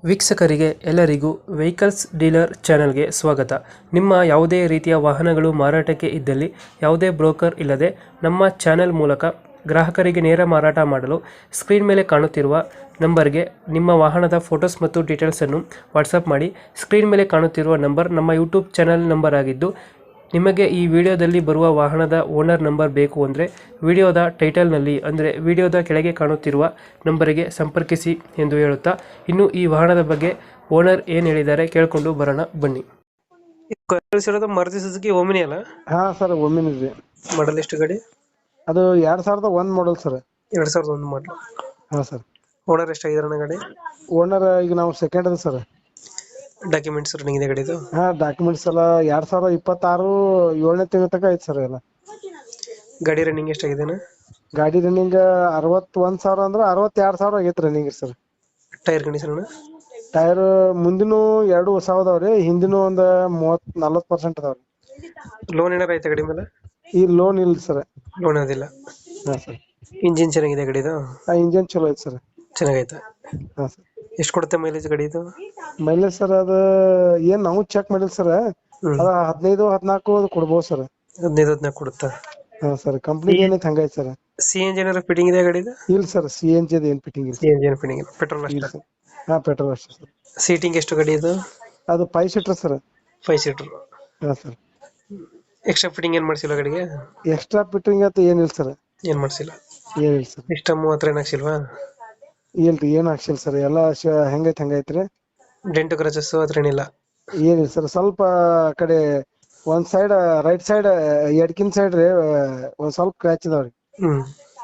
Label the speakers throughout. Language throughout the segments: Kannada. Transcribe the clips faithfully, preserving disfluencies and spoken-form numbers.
Speaker 1: ವೀಕ್ಷಕರಿಗೆ ಎಲ್ಲರಿಗೂ ವೆಹಿಕಲ್ಸ್ ಡೀಲರ್ ಚಾನೆಲ್ಗೆ ಸ್ವಾಗತ. ನಿಮ್ಮ ಯಾವುದೇ ರೀತಿಯ ವಾಹನಗಳು ಮಾರಾಟಕ್ಕೆ ಇದ್ದಲ್ಲಿ ಯಾವುದೇ ಬ್ರೋಕರ್ ಇಲ್ಲದೆ ನಮ್ಮ ಚಾನೆಲ್ ಮೂಲಕ ಗ್ರಾಹಕರಿಗೆ ನೇರ ಮಾರಾಟ ಮಾಡಲು ಸ್ಕ್ರೀನ್ ಮೇಲೆ ಕಾಣುತ್ತಿರುವ ನಂಬರ್ಗೆ ನಿಮ್ಮ ವಾಹನದ ಫೋಟೋಸ್ ಮತ್ತು ಡೀಟೇಲ್ಸನ್ನು ವಾಟ್ಸಪ್ ಮಾಡಿ. ಸ್ಕ್ರೀನ್ ಮೇಲೆ ಕಾಣುತ್ತಿರುವ ನಂಬರ್ ನಮ್ಮ ಯೂಟ್ಯೂಬ್ ಚಾನೆಲ್ ನಂಬರ್ ಆಗಿದ್ದು, ನಿಮಗೆ ಈ ವಿಡಿಯೋದಲ್ಲಿ ಬರುವ ವಾಹನದ ಓನರ್ ನಂಬರ್ ಬೇಕು ಅಂದರೆ ವಿಡಿಯೋದ ಟೈಟಲ್ನಲ್ಲಿ ಅಂದರೆ ವಿಡಿಯೋದ ಕೆಳಗೆ ಕಾಣುತ್ತಿರುವ ನಂಬರಿಗೆ ಸಂಪರ್ಕಿಸಿ ಎಂದು ಹೇಳುತ್ತಾ, ಇನ್ನು ಈ ವಾಹನದ ಬಗ್ಗೆ ಓನರ್ ಏನು ಹೇಳಿದ್ದಾರೆ ಕೇಳಿಕೊಂಡು ಬರೋಣ ಬನ್ನಿ. ಕಳಿಸಿರೋದು ಮಾರುತಿ ಸುಜುಕಿ ಓಮಿನಿ ಅಲ್ಲ?
Speaker 2: ಹಾ ಸರ್, ಒಮ್ಮಿನ ಇದೆ.
Speaker 1: ಮಾಡಲ್ ಎಷ್ಟು ಗಾಡಿ?
Speaker 2: ಅದು ಎರಡ್ ಸಾವಿರದ ಒಂದ್ ಮಾಡಲ್ ಸರ್.
Speaker 1: ಎರಡ್ ಸಾವಿರದ ಒಂದು ಮಾಡಲ್.
Speaker 2: ಹಾ ಸರ್.
Speaker 1: ಓನರ್ ಎಷ್ಟಾಗಿದಾರೆ ಗಾಡಿ?
Speaker 2: ಓನರ್ ಈಗ ನಾವು ಸೆಕೆಂಡ್ ಅದ ಸರ್.
Speaker 1: ಡಾಕ್ಯುಮೆಂಟ್ಸ್ ರನ್ನಿಂಗ್ ಇದೆ ಗಾಡಿದು?
Speaker 2: ಹಾ, ಡಾಕ್ಯುಮೆಂಟ್ಸ್ ಎಲ್ಲ ಎರಡ್ ಸಾವಿರದ ಇಪ್ಪತ್ತಾರು ಏಳನೇ ತಿಂಗಳ ತನಕ ಐತಿ ಸರ್ ಎಲ್ಲ.
Speaker 1: ಗಾಡಿ ರನ್ನಿಂಗ್ ಎಷ್ಟಾಗಿದೆ?
Speaker 2: ಗಾಡಿ ರನ್ನಿಂಗ್ ಅರವತ್ತೊಂದ್ ಸಾವಿರ ಅಂದ್ರೆ ಅರವತ್ತೆರಡು ಸಾವಿರ ಆಗೈತಿ running sir.
Speaker 1: Tyre condition?
Speaker 2: Tyre ಮುಂದಿನ ಎರಡು ಹೊಸ ಅದಾವ್ರಿ, ಹಿಂದಿನ ಒಂದ್ ಮೂವತ್ ನಲ್ವತ್ ಪರ್ಸೆಂಟ್ ಅದಾವ್ರಿ.
Speaker 1: ಲೋನ್ ಏನಾರ ಐತೆ ಗಾಡಿ ಮೇಲೆ?
Speaker 2: ಈ ಲೋನ್ ಇಲ್ಲ ಸರ್.
Speaker 1: ಲೋನ್ ಅದಿಲ್ಲ.
Speaker 2: ಹಾ ಸರ್.
Speaker 1: ಇಂಜಿನ್ ಚೆನ್ನಾಗಿದೆ ಗಾಡಿದು?
Speaker 2: ಆ ಇಂಜಿನ್ ಚಲೋ ಐತಿ ಸರ್.
Speaker 1: ಚೆನ್ನಾಗೈತೆ.
Speaker 2: ಹಾ ಸರ್.
Speaker 1: ಎಷ್ಟು ಕೊಡುತ್ತೆ ಮೈಲೇಜ್ ಗಾಡಿದು?
Speaker 2: ಮೈಲೇಜ್ ಸರ್ ಅದ ಏನ್ ನಾವು ಚೆಕ್ ಮಾಡಿಲ್ಲ ಸರ್. ಅದ ಹದಿನೈದು ಹದಿನಾಲ್ಕು ಕೊಡ್ಬೋದು ಸರ್.
Speaker 1: ಹದಿನೈದು ಹದಿನಾಲ್ಕು ಕೊಡುತ್ತಾ?
Speaker 2: ಹಾ ಸರ್. ಕಂಪ್ನಿ ಏನೈತಿ ಹಂಗೈತಿ ಸರ್.
Speaker 1: ಸಿ ಎನ್ ಜಿ ಏನಾರ ಫಿಟ್ಟಿಂಗ್ ಇದೆ ಗಾಡಿದು?
Speaker 2: ಇಲ್ಲ ಸರ್, ಸಿ ಎನ್ ಜಿ ಏನ್ ಫಿಟ್ಟಿಂಗ್ ಇಲ್ಲ.
Speaker 1: ಸಿ ಎನ್ ಜಿ ಏನು ಫಿಟ್ಟಿಂಗ್ ಇಲ್ಲ, ಪೆಟ್ರೋಲ್
Speaker 2: ಇಲ್ಲ
Speaker 1: ಅಷ್ಟೇ?
Speaker 2: ಸರ್. ಹಾ, ಪೆಟ್ರೋಲ್ ಅಷ್ಟೇ ಸರ್.
Speaker 1: ಸೀಟಿಂಗ್ ಎಷ್ಟು ಗಾಡಿ ಇದು?
Speaker 2: ಅದು five seater sir.
Speaker 1: Five seater.
Speaker 2: ಹಾ ಸರ್.
Speaker 1: ಎಕ್ಸ್ಟ್ರಾ ಫಿಟ್ಟಿಂಗ್ ಏನ್ ಮಾಡ್ಸಿಲ್ಲ ಗಾಡಿಗೆ?
Speaker 2: ಎಕ್ಸ್ಟ್ರಾ ಫಿಟ್ಟಿಂಗ್ ಅಂತ ಏನಿಲ್ಲ ಸರ್.
Speaker 1: ಏನ್ ಮಾಡ್ಸಿಲ್ಲ?
Speaker 2: ಏನಿಲ್ಲ ಸರ್.
Speaker 1: ಸಿಸ್ಟಮ್ ಹತ್ರ ಏನ್ ಹಾಕ್ಸಿಲ್ವಾ?
Speaker 2: ಇಲ್ರಿ, ಏನ್ ಹಾಕ್ಸಿಲ್ಲ ಸರ್. ಎಲ್ಲ ಹೆಂಗೈತಿ ಹಂಗೈತ್ರಿ.
Speaker 1: ಡೆಂಟ್ ಕ್ರಚಸ್ ಹತ್ರ ಏನಿಲ್ಲ?
Speaker 2: ಏನಿಲ್ಲ ಸರ್. ಸ್ವಲ್ಪ ಆ ಕಡೆ ಒಂದ್ ಸೈಡ್ ರೈಟ್ ಸೈಡ್ ಎಡ್ಕಿನ್ ಸೈಡ್ ರೀ ಒಂದ್ ಸ್ವಲ್ಪ ಕ್ರ್ಯಾಚ್ ಇದಾವ್ರಿ.
Speaker 1: ಹ್ಮ್.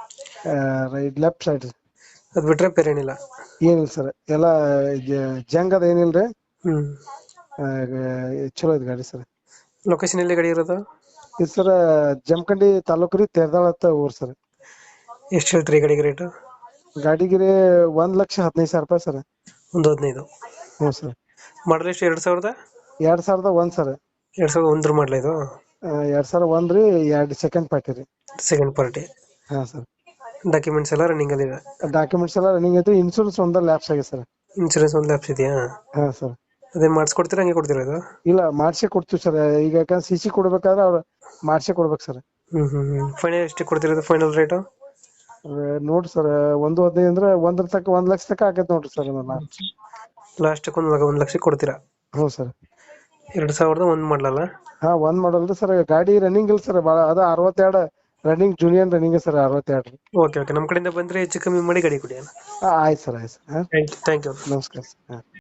Speaker 2: ರೈಟ್ ಲೆಫ್ಟ್ ಸೈಡ್
Speaker 1: ಅದ್ ಬಿಟ್ರೆ ಬೇರೆ ಏನಿಲ್ಲ?
Speaker 2: ಏನಿಲ್ಲ ಸರ್. ಎಲ್ಲ ಜಂಗ್ ಅದ ಏನಿಲ್ರಿ.
Speaker 1: ಹ್ಮ್.
Speaker 2: ಚಲೋ ಐತಿ ಗಾಡಿ ಸರ್.
Speaker 1: ಲೊಕೇಶನ್ ಎಲ್ಲಿ ಗಾಡಿ ಇರೋದು?
Speaker 2: ಇದು ಸರ್ ಜಮಖಂಡಿ ತಾಲೂಕು ರೀ, ತೆರದಾಳ ಅಂತ ಊರ್ ಸರ್.
Speaker 1: ಎಷ್ಟು ಹೇಳ್ತೀರಿ ಗಾಡಿಗೆ ರೇಟ್?
Speaker 2: ಗಾಡಿಗೆ ಒಂದ್ ಲಕ್ಷ ಹದಿನೈದು ಸಾವಿರ ರೂಪಾಯಿ ಸರ್.
Speaker 1: ಒಂದು ಹದಿನೈದು?
Speaker 2: ಹ್ಞೂ ಸರ್.
Speaker 1: ಮಾಡಲ್ ಎಷ್ಟು? ಎರಡ್ ಸಾವಿರದ
Speaker 2: ಎರಡ್ ಸಾವಿರದ ಒಂದ್ ಸರ್.
Speaker 1: ಎರಡ್ ಸಾವಿರದ ಒಂದ್ರ ಮಾಡಲ ಇದು?
Speaker 2: ಎರಡ್ ಸಾವಿರ ಒಂದ್ ರೀ. ಎರಡ್ ಸೆಕೆಂಡ್ ಪಾರ್ಟಿ ರೀ.
Speaker 1: Second party.
Speaker 2: ಹಾ ಸರ್.
Speaker 1: ಡಾಕ್ಯುಮೆಂಟ್ಸ್ ಎಲ್ಲ ರನ್ನಿಂಗ್ ಅಲ್ಲಿ ಇದೆ?
Speaker 2: ಡಾಕ್ಯುಮೆಂಟ್ಸ್ ಎಲ್ಲ ರನ್ನಿಂಗ್ ಐತಿ. ಇನ್ಶೂರೆನ್ಸ್ ಒಂದ ಲ್ಯಾಪ್ಸ್ ಆಗಿದೆ ಸರ್.
Speaker 1: ಇನ್ಶೂರೆನ್ಸ್ ಒಂದು ಲ್ಯಾಪ್ಸ್ ಇದೆಯಾ?
Speaker 2: ಹಾ ಸರ್.
Speaker 1: ಅದೇನ್ ಮಾಡಿಸ್ಕೊಡ್ತೀರಾ ಹಂಗೆ ಕೊಡ್ತೀರಾ ಇದು?
Speaker 2: ಇಲ್ಲ, ಮಾಡ್ಸೇ ಕೊಡ್ತೀವಿ ಸರ್. ಈಗ ಯಾಕಂದ್ರೆ ಸಿ ಸಿ ಕೊಡ್ಬೇಕಾದ್ರೆ ಅವ್ರು ಮಾಡ್ಸೇ ಕೊಡ್ಬೇಕು ಸರ್.
Speaker 1: ಹ್ಮ್ ಹ್ಮ್ ಹ್ಮ್ ಫೈನಲ್ ಎಷ್ಟು ಕೊಡ್ತಿರೋದು? ಫೈನಲ್ ರೇಟ್
Speaker 2: ನೋಡ್ರಿ ಸರ್, ಒಂದು ಹದಿನೈದು ಅಂದ್ರೆ ಒಂದ್ರ ತಕ್ಕ ಒಂದ್ ಲಕ್ಷ ತಕ ಆಗೈತೆ ನೋಡ್ರಿ ಸರ್.
Speaker 1: ಲಾಸ್ಟ್ ಒಂದ್ ಒಂದ್ ಲಕ್ಷ ಕೊಡ್ತೀರಾ?
Speaker 2: ಹ್ಞೂ ಸರ್.
Speaker 1: ಎರಡ್ ಸಾವಿರದ ಒಂದ್ ಮಾಡಲಲ್ಲ?
Speaker 2: ಹಾ, ಒಂದ್ ಮಾಡಲ್ ಸರ್. ಗಾಡಿ ರನ್ನಿಂಗ್ ಇಲ್ಲ ಸರ್ ಬಾಳ. ಅದ ಅರವತ್ತೆರಡು ರನ್ನಿಂಗ್, ಜೂನಿಯರ್ ರನ್ನಿಂಗ್ ಸರ್ ಅರವತ್ತೆರಡು.
Speaker 1: ಓಕೆ ಓಕೆ, ನಮ್ ಕಡೆಯಿಂದ ಬಂದ್ರೆ ಹೆಚ್ಚು ಕಮ್ಮಿ ಮಾಡಿ ಗಾಡಿ ಕೊಡಿ.
Speaker 2: ಆಯ್ತು ಸರ್. ಆಯ್ತು ಸರ್.
Speaker 1: Thank you.
Speaker 2: ನಮಸ್ಕಾರ ಸರ್.